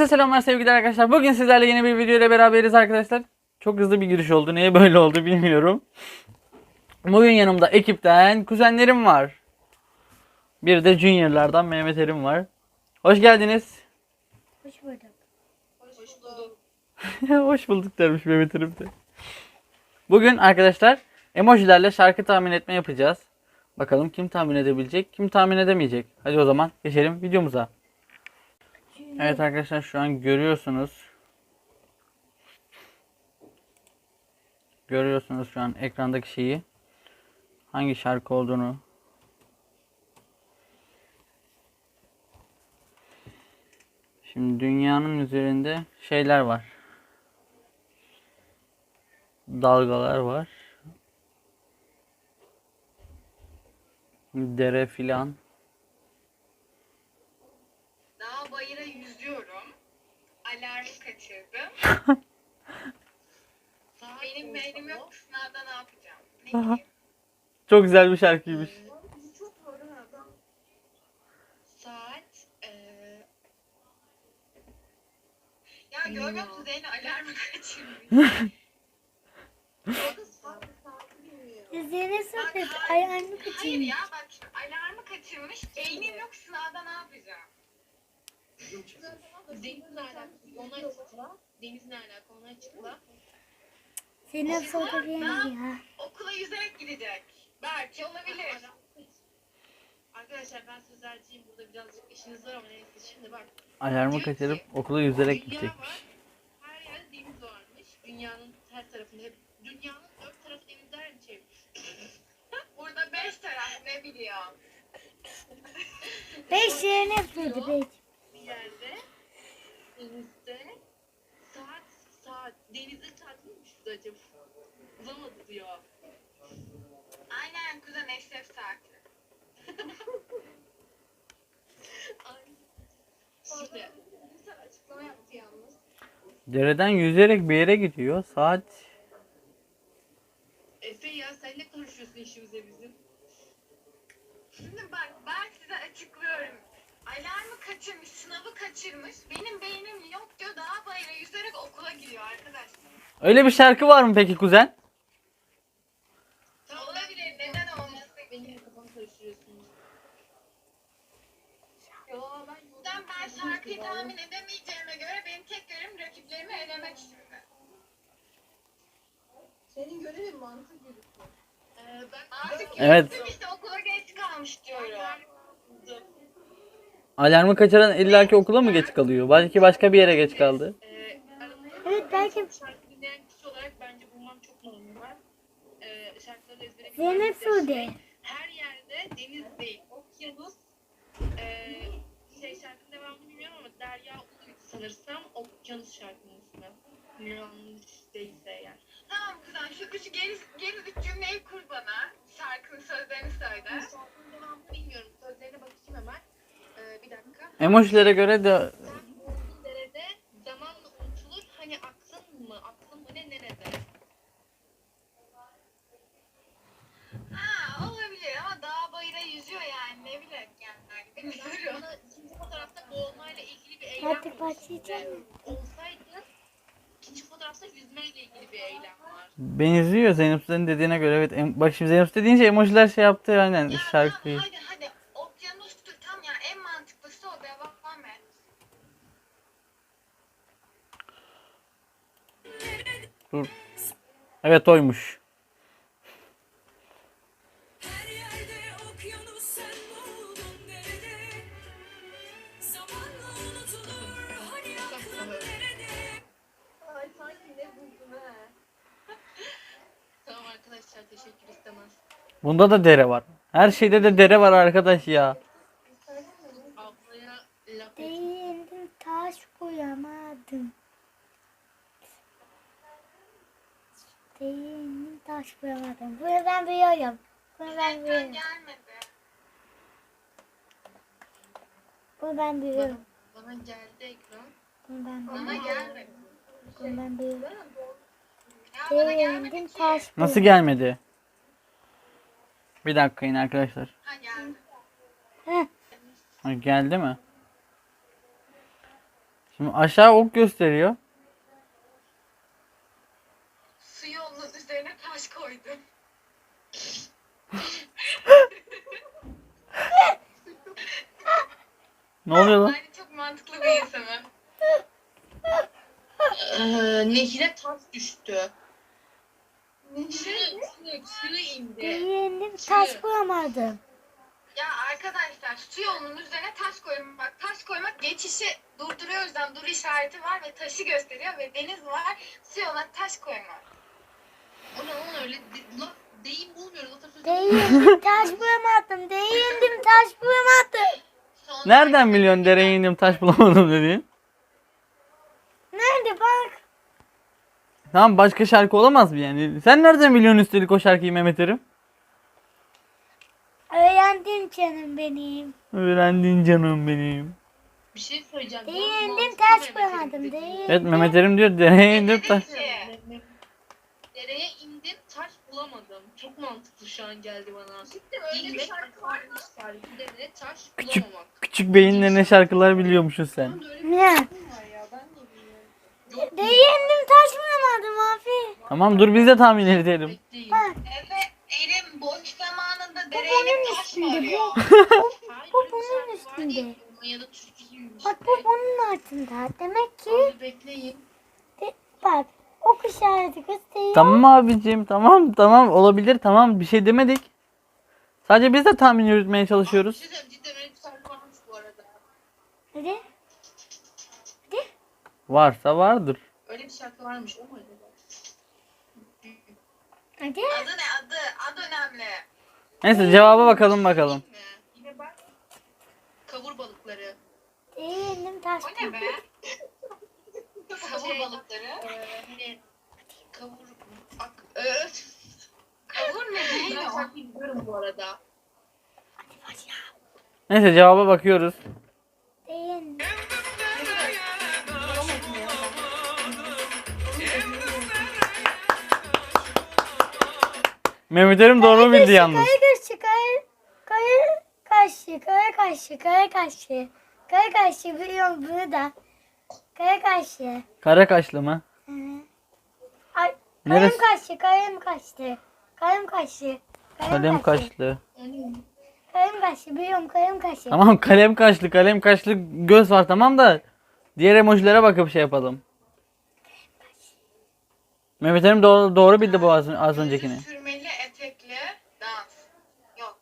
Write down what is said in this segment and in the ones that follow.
Herkese selamlar sevgili arkadaşlar. Bugün sizlerle yeni bir video ile beraberiz arkadaşlar. Çok hızlı bir giriş oldu. Niye böyle oldu bilmiyorum. Bugün yanımda ekipten kuzenlerim var. Bir de Junior'lardan Mehmet Erim var. Hoş geldiniz. Hoş bulduk. Hoş bulduk. Hoş bulduk dermiş Mehmet Erim de. Bugün arkadaşlar emojilerle şarkı tahmin etme yapacağız. Bakalım kim tahmin edebilecek, kim tahmin edemeyecek. Hadi o zaman geçelim videomuza. Evet arkadaşlar şu an görüyorsunuz. Görüyorsunuz şu an ekrandaki şeyi. Hangi şarkı olduğunu. Şimdi dünyanın üzerinde şeyler var. Dalgalar var. Dere filan. Dağ bayıra yüzüyorum. Alarmı kaçırdım. Benim beynim yok. Sınavda ne yapacağım? Ne bileyim. Çok güzel bir şarkıymış. Saat ya görmüyor musun Zeynep alarmı kaçırmış. Üzerine Bak, sohbet hayır. ayağını Hayır kaçırmış. ya bak şimdi alarmı kaçırmış. Beynim yok sınavda ne yapacağım? Denizle alakalı onu açıkla. Denizle alakalı onu açıkla. Senin sohbet ya. Okula yüzerek gidecek. Belki olabilir. Arkadaşlar ben sözlerciyim. Burada birazcık işiniz var ama neyse şimdi bak. Alarmı kaçırıp okula yüzerek Dünya gidecekmiş. var. Her yerde deniz varmış. Dünyanın her tarafında hep. Dünyanın 4 tarafı denizlerle çevrili. Burada 5 taraf ne biliyorum. 5 yerine sohbet 5. Bir yerde denizde saat denizde saat miymiş bu acaba? Bulamadı diyor. Aynen kuzen eşref saati. Şimdi güzel açıklama yaptı yalnız. Dereden yüzerek bir yere gidiyor. Saat Efe ya sen ne konuşuyorsun işimize bizim? Şimdi bak ben size açıklıyorum. Alarmı kaçırmış, sınavı kaçırmış. Benim beynim yok diyor. Dağ bayıra yüzerek okula gidiyor arkadaşlar. öyle bir şarkı var mı peki kuzen? Olabilir. Neden olmasın ki? Benim kafamı karıştırıyorsunuz. Yo Ben şarkıyı tahmin edemeyeceğime göre benim tek görevim rakiplerimi elemek şimdi. Senin görevin mantık yürütmek. Ben Artık Evet. yürüttüm işte okula geç kalmış diyorum. Alarmı kaçıran illaki okula mı geç kalıyor? Belki başka bir yere geç kaldı. Evet belki şarkı dinleyen kişi olarak bence bulmam çok normal. Şarkıları ezbere Zeynep Sude. her yerde deniz değil, okyanus. Şarkının devamını bilmiyorum ama Derya Ulu sanırsam okyanus şarkının ismi. Yanlış değilse eğer. Tamam kuzen şu geri üç cümleyi kur bana. Şarkının sözlerini söyle. Şarkının devamını bilmiyorum. Sözlerine bakayım hemen. Bir dakika. Emojilere göre de Sen bulduğun derede zamanla unutulur. Hani aklın mı? Aklın mı ne nerede? Ha olabilir ama dağ bayıra yüzüyor yani ne bileyim yani. Bilmiyorum. Bana ikinci fotoğrafta boğulmayla ilgili bir eylem Artık var. başlayacak mı? Olsaydı ikinci fotoğrafta yüzmeyle ilgili bir eylem var. benziyor Zeynep Sude'nin dediğine göre. Evet. Bak şimdi Zeynep Sude deyince emojiler şey yaptı aynen Ya şarkıyı. tamam hadi okyanustur tam ya en mantıklısı o devam et. Dur. Evet oymuş. Her yerde okyanus sen buldun nerede? Zamanla unutulur hani aklın nerede? Ay sanki ne buldun ha. Tamam arkadaşlar teşekkür istemez. Bunda da dere var. Her şeyde de dere var arkadaş ya. Ablaya laf et. Değildim taş koyamadım. Değildim taş koyamadım. Bunu ben biliyorum. Bunu ben Ekran biliyorum. gelmedi. Bunu ben biliyorum. Bana geldi ekran. Bunu ben Bana biliyorum. gelmedi. Bunu ben biliyorum. Ya bana gelmedi Değildim ki. taş Nasıl koyamadım. gelmedi? Bir dakika yine arkadaşlar. Ha geldi. Heh. Ha, geldi mi? Şimdi aşağı ok gösteriyor. Su yolunun üzerine taş koydum. Ne oluyor lan? Bence çok mantıklı bir insanım. Nehire taş düştü. Ne? Suyu indi. Beğendim taş bulamadım. Ya arkadaşlar su yolunun üzerine taş koyun. Bak taş koymak geçişi durduruyor, o yüzden dur işareti var ve taşı gösteriyor ve deniz var. Su yoluna taş koymak. O ne lan öyle? Ulan deyim bulmuyoruz. Atasözü Beğendim taş bulamadım. Beğendim taş bulamadım. Sonra Nereden biliyorsun dereye indim taş bulamadım dediğin? Nerede bak? Tamam başka şarkı olamaz mı yani? Sen nereden biliyorsun üstelik o şarkıyı Mehmet Erim? Öğrendim canım benim. Öğrendin canım benim. bir şey söyleyeceğim. Beğendim taş bulamadım. Beğendim. Evet Mehmet Erim diyor dereye indim taş. Dereye indim taş bulamadım. Çok mantıklı şu an geldi bana. Cidden öyle bir şarkı var mı? Dereye taş Küçük. bulamamak. Küçük beyinle ne şarkılar biliyormuşsun sen. Öyle bir Ne? şarkı var ya ben de bilmiyorum. Yok Beğendim taş bulamadım abi. Tamam dur biz de tahmin edelim. bekleyin. Bak. Evet, Erim boş zamanında dereye inip taş mı arıyor? Hayır, Bu öyle bir bunun şarkı var üstünde. değil. Ya da türküsüymüş. Bak bu bunun altında. Demek ki Abi bekleyin. bak ok işareti gösteriyor. Tamam abicim tamam olabilir tamam bir şey demedik. Sadece biz de tahmin yürütmeye Bir çalışıyoruz. şey söyleyeyim, cidden öyle bir şarkı varmış bu arada. Hadi. Varsa vardır. Öyle bir şarkı varmış o mu acaba? Hadi. Adı ne adı? Adı önemli. Neyse cevaba bakalım. Yine bak. Kavur balıkları. Beğendim taş O ne be? Kavur Şey, balıkları. Hani kavur... Kavur ne Ben değil o? şarkıyı biliyorum bu arada. Neyse cevaba bakıyoruz. Beğendim. Mehmet Erim doğru bildi yalnız. Kaya kaşı, kaya kaşı, kaya kaşı, kaya kaşı. Kaya kaşı biliyorum burada. Kaya kaşı. Kara kaşlı mı? Hı. Ay, Neresi? kalem kaçtı. Kalem kaşı. Kalem kaşlı. Kalem kaşı biliyorum kalem kaşı. Tamam kalem kaşlı göz var tamam da diğer emojilere bakıp şey yapalım. Mehmet Erim doğru bildi bu az öncekini. Gözü sürmeli etekli dans. Yok.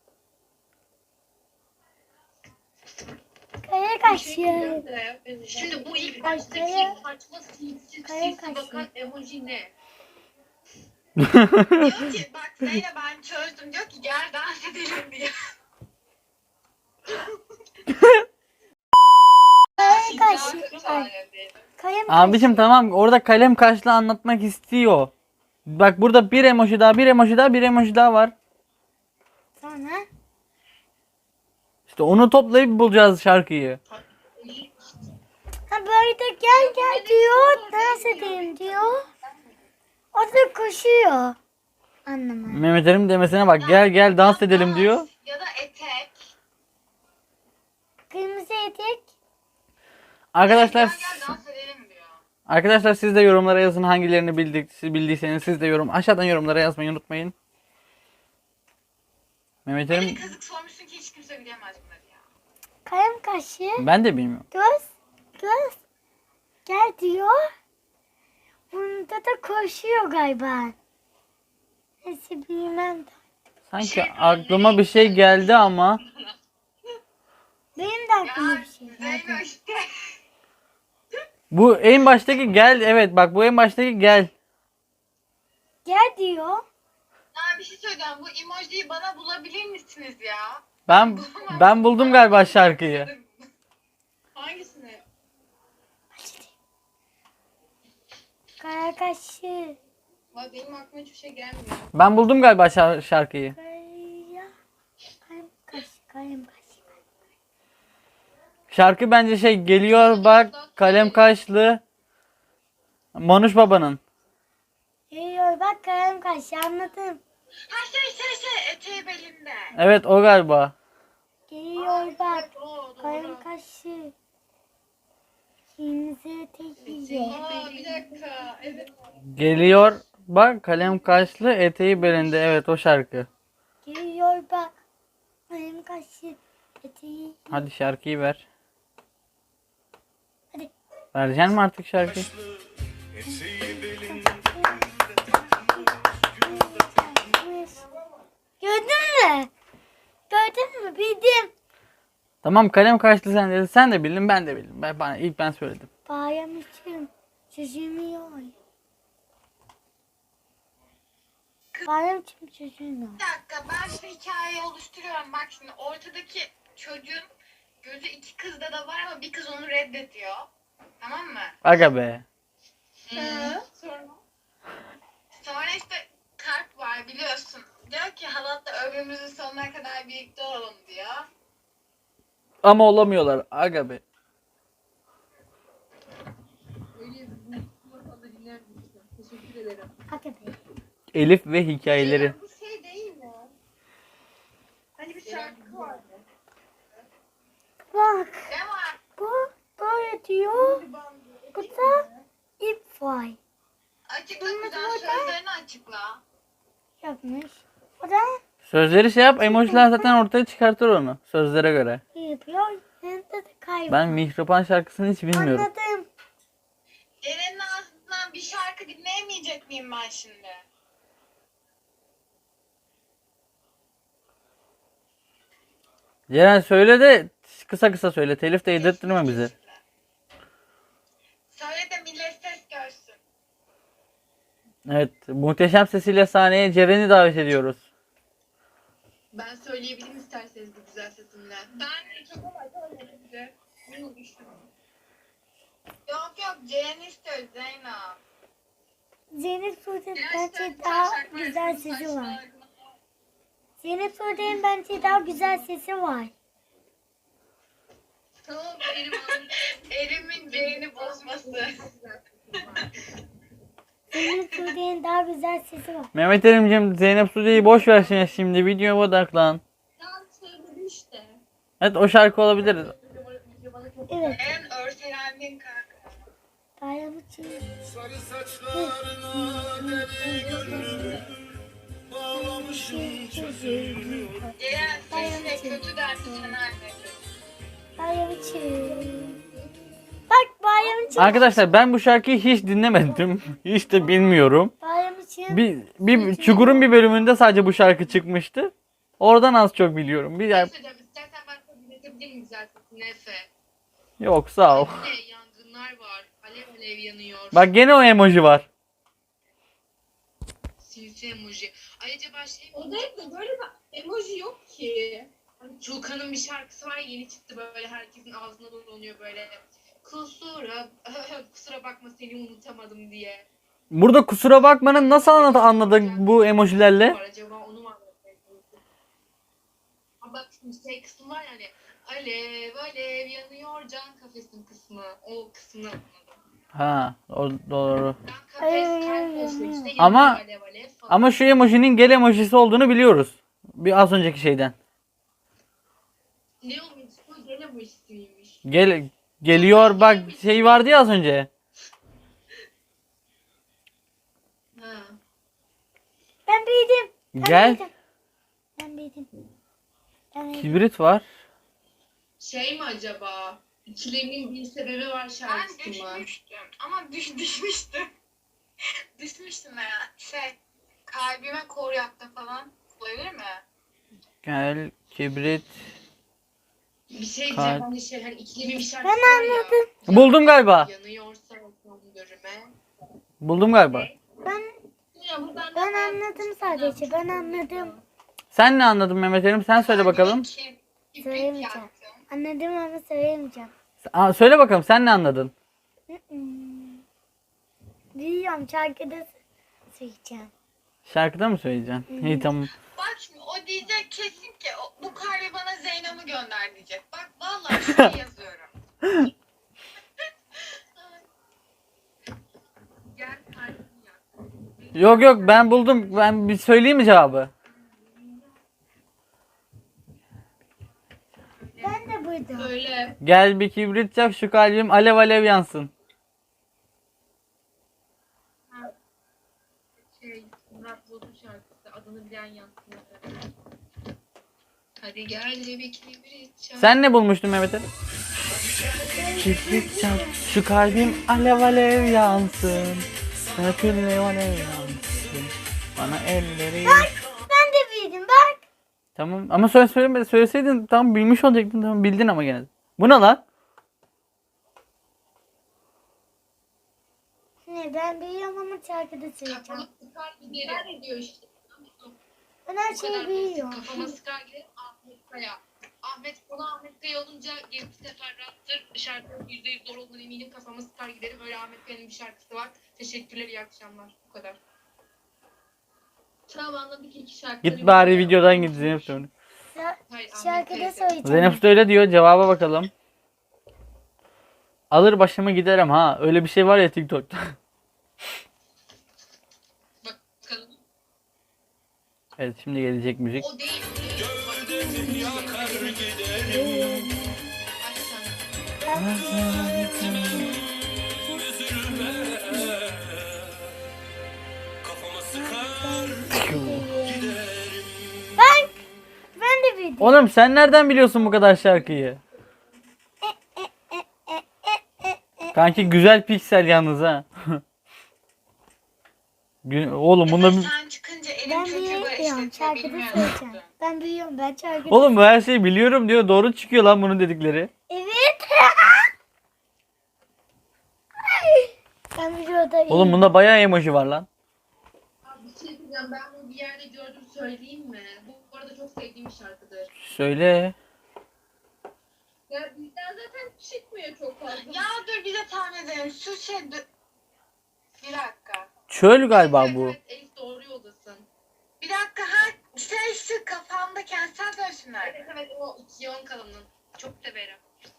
Kaya Bir kaşı. şey diyeceğim de, şimdi bu ilk baştaki Kaya- saçma sinsi Kaya sinsi bakan kaşı. emoji ne? Diyor ki bak Zeynep ben çözdüm. Diyor ki gel dans edelim diye. Kaya kaşı. Ay, kalem kaşı. Abicim tamam orada kalem kaşlı anlatmak istiyor. Bak burada bir emoji daha var. Sonra İşte onu toplayıp bulacağız şarkıyı. ha böyle de gel diyor. Dans edelim diyor. O da koşuyor. Anlamadım. Mehmet Erim demesine bak gel dans edelim diyor. Ya da etek. Kırmızı etek. Arkadaşlar Gel dans edelim diyor. Arkadaşlar siz de yorumlara yazın hangilerini bildiyseniz siz de aşağıdan yorumlara yazmayı unutmayın. Mehmet Beni Erim kazık sormuşsun ki hiç kimse bilemez bunları ya. Kalem kaşı. ben de bilmiyorum. Göz. Gel diyor. Bunda da koşuyor galiba. Neyse bilmem de. Sanki aklıma bir şey geldi ama Benim de aklıma bir şey geldi. Zeyno işte. bu en baştaki gel evet bak bu en baştaki gel. Gel diyor. Ya bir şey söyleyeceğim. Bu emojiyi bana bulabilir misiniz ya? Ben buldum galiba şarkıyı. Hangisini? Kaya kaşı. Vay benim aklıma hiçbir şey gelmiyor. Ben buldum galiba şarkıyı. Kaya. Kalem kaşı. Kalem kaşı. Şarkı bence şey geliyor bak kalem kaşlı Manuş Baba'nın. Geliyor bak kalem kaşı anladım. Ha eteği belinde. Evet o galiba. Geliyor bak O doğru. kalem kaşı. Kimse tekiye. Aa bir dakika. Evet. Geliyor bak kalem kaşlı eteği belinde. Evet o şarkı. Geliyor bak. Benim kaşı eteği. Hadi şarkıyı ver. Hadi. Vereceksin mi artık şarkıyı? Gördün mü? Gördün mü? Bildim. Tamam kalem kaşlı sen dedin. Sen de bildin ben de bildim. İlk ben söyledim. Bayram için çözülmüyor. Bayram için çözülmüyor. Bir dakika ben şu hikayeyi oluşturuyorum. Bak şimdi ortadaki çocuğun gözü iki kızda da var ama bir kız onu reddediyor. Tamam mı? Aga be. Sonra. Sonra işte kalp var biliyorsun. Diyor ki halatla ömrümüzün sonuna kadar birlikte olalım diyor. Ama olamıyorlar. Aga be. Öyle bu masalda dinler misin? Teşekkür ederim. Hadi be. Elif ve hikayeleri. Bu şey değil mi? Hani bir şarkı vardı. Bak. Ne var? Bu böyle diyor. Bu da ip var. Açıkla güzel sözlerini açıkla. Yapmış. O da Sözleri şey yap. Emojiler zaten ortaya çıkartır onu. Sözlere göre. yapıyor. Yanında da kaybıyor. Ben Mihriban şarkısını hiç bilmiyorum. Anladım. Eren'in ağzından bir şarkı dinleyemeyecek miyim ben şimdi? Ceren söyle de kısa kısa söyle. Telif de yedirttirme bizi. Söyle de millet ses görsün. Evet. Muhteşem sesiyle sahneye Ceren'i davet ediyoruz. Ben söyleyebilirim isterseniz bu güzel sesimle. Ben çok yok Ceren istiyor Zeynep. Zeynep Sude'nin bence daha güzel sesi var. Zeynep Sude'nin bence daha güzel sesi var. Tamam benim Erim'in Ceren'i bozması. Zeynep Sude'nin daha güzel sesi var. Mehmet Erim'cim Zeynep Sude'yi boş ver şimdi. Videoya odaklan. Ben söyledim işte. Evet o şarkı olabilir. Evet. En örselendin kanka. Bayram için. Sarı saçlarına deli gönlüm bağlamışım çözülmüyor. Ceren sesine kötü derdi sen annesi. Bayram için. Bak bayram için. Arkadaşlar ben bu şarkıyı hiç dinlemedim. Hiç de bilmiyorum. Bayram için. Bir Çukur'un bir bölümünde sadece bu şarkı çıkmıştı. Oradan az çok biliyorum. Ne söyleyeceğim? İstersen ben sana dinletebilir miyim güzel sesini Efe? Yok sağ ol. Ne yangınlar var. Alev alev yanıyor. Bak gene o emoji var. Sinsi emoji. Ay acaba şey mi? O değil de böyle bir emoji yok ki. Hani Tuğkan'ın bir şarkısı var yeni çıktı böyle herkesin ağzına dolanıyor böyle. Kusura bakma seni unutamadım diye. Burada kusura bakmanın nasıl anladık bu emojilerle? Var acaba onu mu anlatmaya çalışıyorsun? Ama bak şimdi şey kısmı var yani. Alev alev yanıyor can kafesin kısmı. O kısmını anladım. Ha o doğru. Can kafes kalp olsun işte Ama- yanıyor alev alev falan. Ama şu emojinin gel emojisi olduğunu biliyoruz. Bir az önceki şeyden. Ne olmuş? Bu gene bu ismiymiş. Geliyor bak şey vardı ya az önce. Ha. Ben bildim. Gel. Ben bildim. Ben bildim. Kibrit var. Şey mi acaba? İkilemin bir sebebi var Ben şarkısı mı? düşmüştüm ama düşmüştüm. Düşmüştüm ya. Kalbime kor yaktı falan. Olabilir mi? Gel kibrit. Bir şey Kalp. diyeceğim hani şey hani ikilemin bir şarkısı Ben var ya. anladım. Buldum galiba. Yanıyorsa bakalım görüme. Buldum galiba. Ya buradan Ben anladım sadece. Ben anladım. Sen ne anladın Mehmet Erim? Sen söyle bakalım. Kibrit Söyleyemeyeceğim. yaktım. Anladım ama söyleyemeyeceğim. Söyle bakalım sen ne anladın? Biliyorum şarkıda söyleyeceğim. Şarkıda mı söyleyeceksin? İyi tamam. Bak şimdi o diyecek kesin ki bu kalbi bana Zeynep'i gönder diyecek. Bak vallahi şuraya yazıyorum. Gel kalbim yak. Yok yok ben buldum. Ben bir söyleyeyim mi cevabı? Ben de buydu. Öyle. Gel bir kibrit yak şu kalbim alev alev yansın. Murat Boz'un şarkısı. Adını bilen yansın. Hadi gel de bir kibrit çak. Sen ne bulmuştun Mehmet Ali? Kibrit yak şu kalbim alev alev yansın. Alev alev yansın. Bana elleri... Ben de bildim bak. Tamam ama söyleseydin tamam bilmiş olacaktın, tamam bildin ama gene. Bu ne lan? Ne ben biliyorum ama şarkıda söyleyeceğim. Kafama sıkar giderim diyor işte. Ben her Bu şeyi kadar basit. biliyorum. Kafama sıkar giderim Ahmet Kaya. Ahmet Kaya olunca bir sefer rahattır. Şarkının %100 doğru olduğunu eminim. Kafama sıkar giderim. Öyle Ahmet Kaya'nın bir şarkısı var. Teşekkürler, iyi akşamlar. Bu kadar. Tamam anladık, iki şarkı. Git bari videodan git Zeynep söyle. Hayır, Ahmet Şarkıda Kaya. söyleyeceğim. Zeynep söyle diyor, cevaba bakalım. Alır başımı giderim ha. Öyle bir şey var ya TikTok'ta. Bakalım. Evet şimdi gelecek müzik. O değil. Yakar giderim Ay sen. üzülme. Kafama sıkar giderim. Ben de bildim. Oğlum sen nereden biliyorsun bu kadar şarkıyı? Kanki güzel piksel yalnız ha. Oğlum bunda Sen çıkınca elim Ben kötü biliyorum işletiyor, şarkıda bilmiyorum. söyleyeceğim. Ben biliyorum ben şarkıda. Oğlum bu her şeyi biliyorum diyor. Doğru çıkıyor lan bunun dedikleri. Evet. Ben videoda Oğlum bunda bayağı emoji var lan. Abi bir şey diyeceğim. Ben bunu bir yerde gördüm, söyleyeyim mi? Bu arada çok sevdiğim bir şarkıdır. Söyle. Ya bizden zaten çıkmıyor çok fazla. Ya dur bir de tahmin edelim. Şu şey... Bir dakika. Çöl galiba bu. Evet, Elif doğru yoldasın. Bir dakika ha. Şey şu kafamda kentsel dönüşümler. Evet evet, o Yon Kalın'ın. Çok severim.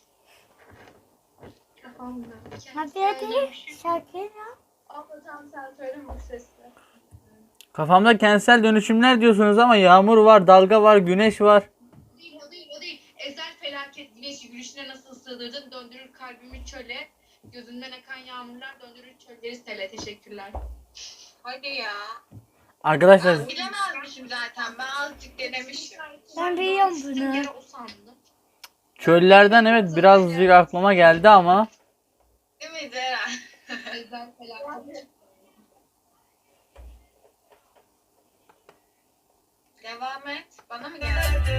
Kafamda. Hadi şarkıyı Abla tam sen söyleme bu sesle. Kafamda kentsel dönüşümler diyorsunuz ama yağmur var, dalga var, güneş var. O değil. Ezel felaket güneşi gülüşüne nasıl sığdırdın? Döndürür kalbimi çöle. Gözünden akan yağmurlar döndürür çölleri sele. Teşekkürler. Hadi ya. Arkadaşlar Ben bilemezmişim zaten. Ben azıcık denemişim. Ben biliyorum bunu. Bir kere o sandım. çöllerden evet birazcık aklıma geldi ama Değil mi Ceren? Ezel felaket. Devam et. Bana mı geldi?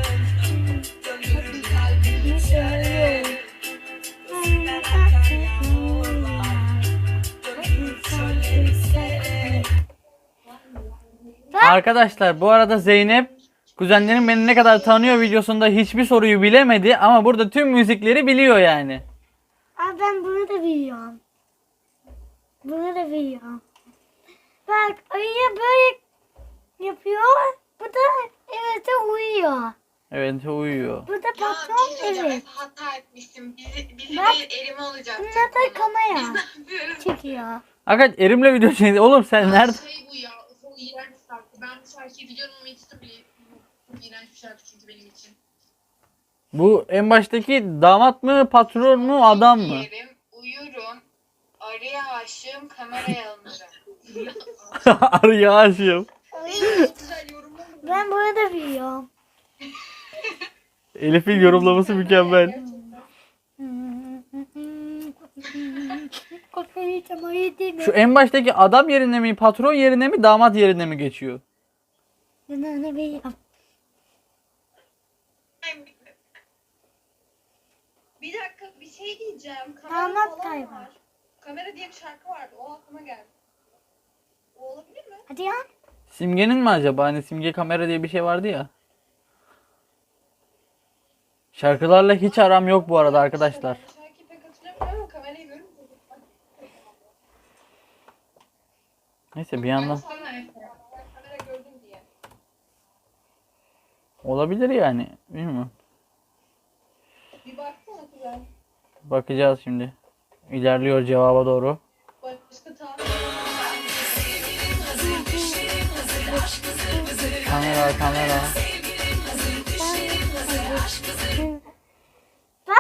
arkadaşlar bu arada Zeynep kuzenlerim beni ne kadar tanıyor videosunda hiçbir soruyu bilemedi ama burada tüm müzikleri biliyor yani. Aa, ben bunu da biliyorum. Bunu da biliyorum. Bak ayı böyle yapıyor. Bu da evet uyuyor. Evet uyuyor. Bu da Ya bir patron şey söyleyeceğim. evet. Hata etmiştim. Bizi Bak. değil elime olacak. Bunlar da kamera çekiyor. Arkadaş Erim'le video çekti. Oğlum sen nerede? Şey bu ya. Çok iğrenç bir şarkı. Ben bu şarkıyı biliyorum ama hiç de bile çok iğrenç bir şarkı çünkü benim için. Bu en baştaki damat mı, patron mu, adam mı? Yerim, uyurum. Arıya aşığım, kameraya alınırım. Arıya aşığım. Güzel yorumlar. Ben bunu da biliyorum. Elif'in yorumlaması mükemmel. Kafayı tamayı değil mi? Şu en baştaki adam yerine mi, patron yerine mi, damat yerine mi geçiyor? Ben onu biliyorum. Bir dakika bir şey diyeceğim. Damat Kamera falan kaybı. var. Kamera diye bir şarkı vardı. O aklıma geldi. O olabilir mi? Hadi ya. Simge'nin mi acaba? Hani Simge kamera diye bir şey vardı ya. Şarkılarla hiç aram yok bu arada arkadaşlar. Şarkıyı pek hatırlamıyorum ama kamerayı görünce. Neyse bir yandan Kamera gördüm diye. olabilir yani. Bilmiyorum. Bir baksana güzel. Bakacağız şimdi. İlerliyor cevaba doğru. Başka tahmin Kamera. Ben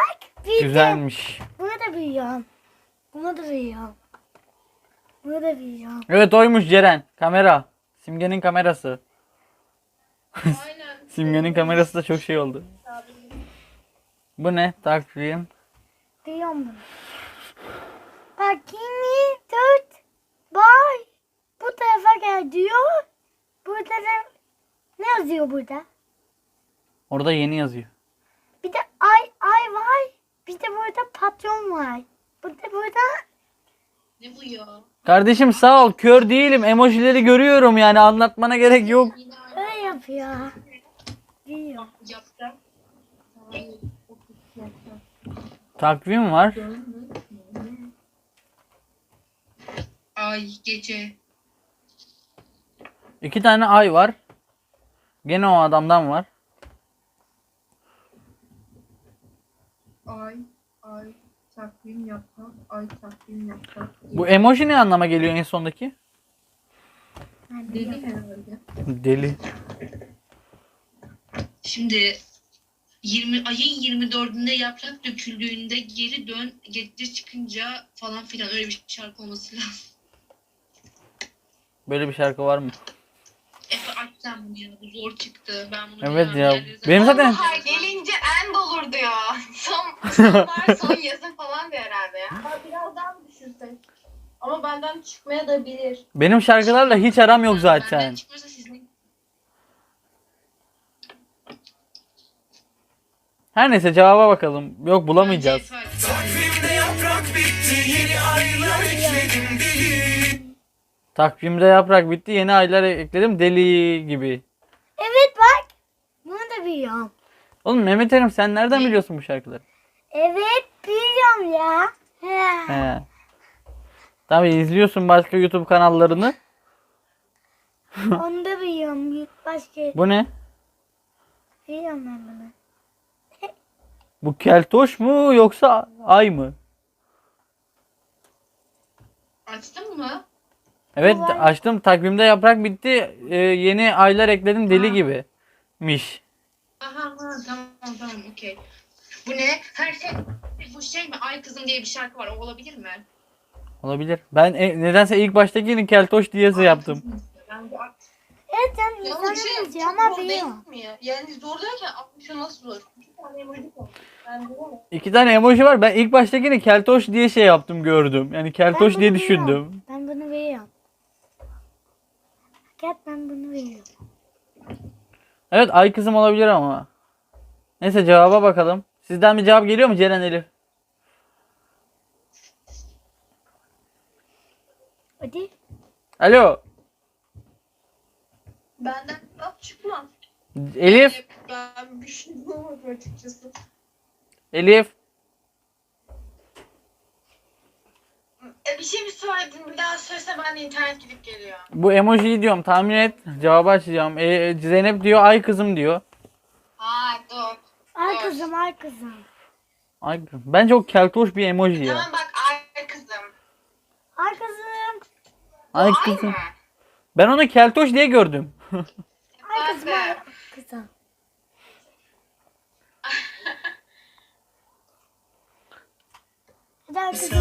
büyüdüm. Güzelmiş. Bunu da büyüyorum. Bunu da büyüyorum. Bunu da büyüyorum. Evet oymuş Ceren. Kamera. Simge'nin kamerası. Aynen. Simge'nin kamerası da çok şey oldu. Bu ne? Takvim. Büyüyorum bunu. Bakayım 4. Bay. Bu tarafa gel diyor. Burada da ne yazıyor burada? Orada yeni yazıyor. Bir de ay var. Bir de burada patron var. Burada Ne bu ya? Kardeşim sağ ol. Kör değilim. Emojileri görüyorum yani anlatmana gerek yok. Yine öyle yapıyor. Büyüyor. yaprak. Ay, Takvim var. Ay gece. 2 tane ay var. Gene o adamdan var. Ay takvim yaprak. Ay takvim yaprak. Bu emoji ne anlama geliyor en sondaki? Deli herhalde. Deli. Şimdi ayın 24'ünde yaprak döküldüğünde geri dön, gece çıkınca falan filan öyle bir şarkı olması lazım. Böyle bir şarkı var mı? Efe aç sen bunu ya, bu zor çıktı. Ben bunu Evet bilemem. ya. Diğerleri Benim zaten Bahar gelince end olur diyor. Sonbahar son yazın falan diyor herhalde ya. Ha, biraz daha mı düşürsek? Ama benden çıkmaya da bilir. benim şarkılarla hiç aram yok Benden zaten. çıkmıyorsa sizin Her neyse cevaba bakalım. Yok bulamayacağız. Takvimde yaprak bitti, yeni aylar ekledim deli. Takvimde yaprak bitti. Yeni aylar ekledim. Deli gibi. Evet bak. Bunu da büyüyorum. Oğlum Mehmet Erim sen nereden biliyorsun bu şarkıları? Evet büyüyorum ya. He. He. Tabii izliyorsun başka YouTube kanallarını. Onu da büyüyorum. Başka Bu ne? büyüyorum ben bunu. Bu keltoş mu yoksa ay mı? açtın mı? Evet Bu ay. açtım. Takvimde yaprak bitti. Yeni aylar ekledim deli Ha. gibimiş. Aha tamam okey. Bu ne? Her şey bu şey mi? Ay kızım diye bir şarkı var. O olabilir mi? Olabilir. Ben nedense ilk baştakini keltoş diyesi yaptım. Ben bu Evet sen Yalnız bir şey insanın çok yazıyor ama zor değil büyüyor. mi ya? Yani zor derken 60'ı nasıl zor? 2 tane emoji koy. Ben de var. 2 tane emoji var. Ben ilk baştakini keltoş diye şey yaptım gördüm. Yani keltoş Ben diye bunu düşündüm. büyüyorum. Ben bunu büyüyorum. Gel ben bunu büyüyorum. Evet ay kızım olabilir ama. Neyse cevaba bakalım. Sizden bir cevap geliyor mu Ceren Elif? Hadi. Alo. Benden laf çıkmaz. Elif. Ben bir şey bulamadım açıkçası. Elif. Bir şey mi söyledin? Bir daha söylese ben de internet gidip geliyor. Bu emojiyi diyorum tahmin et. Cevabı açacağım. Zeynep diyor ay kızım diyor. Ha dur. Ay kızım ay kızım. Ay kızım. Bence o keltoş bir emoji ya. Tamam bak ay kızım. Ay kızım. Ay Ay kızım. mı? Ben onu keltoş diye gördüm. Ay kızım ay kızım. Hadi ay kızım.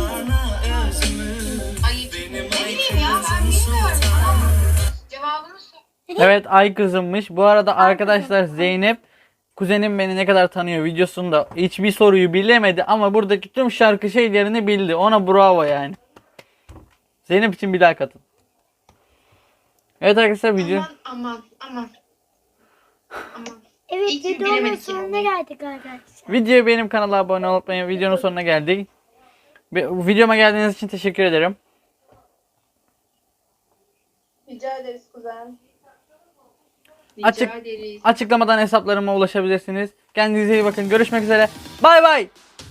Ay ne bileyim ya ben bilmiyorum. Tamam. Cevabını söyle. Evet ay kızımmış. Bu arada arkadaşlar Zeynep kuzenim beni ne kadar tanıyor videosunda hiçbir soruyu bilemedi ama buradaki tüm şarkı şeylerini bildi. Ona bravo yani. Zeynep için bir like atın. Evet arkadaşlar video. Aman. Evet İyi ki videonun bilemedik sonuna yani. geldik arkadaşlar. Videoya benim kanala abone olup videonun sonuna geldik. Videoma geldiğiniz için teşekkür ederim. Rica ederiz kuzen. Rica Açık- ederiz. Açıklamadan hesaplarıma ulaşabilirsiniz. Kendinize iyi bakın. Görüşmek üzere. Bay bay.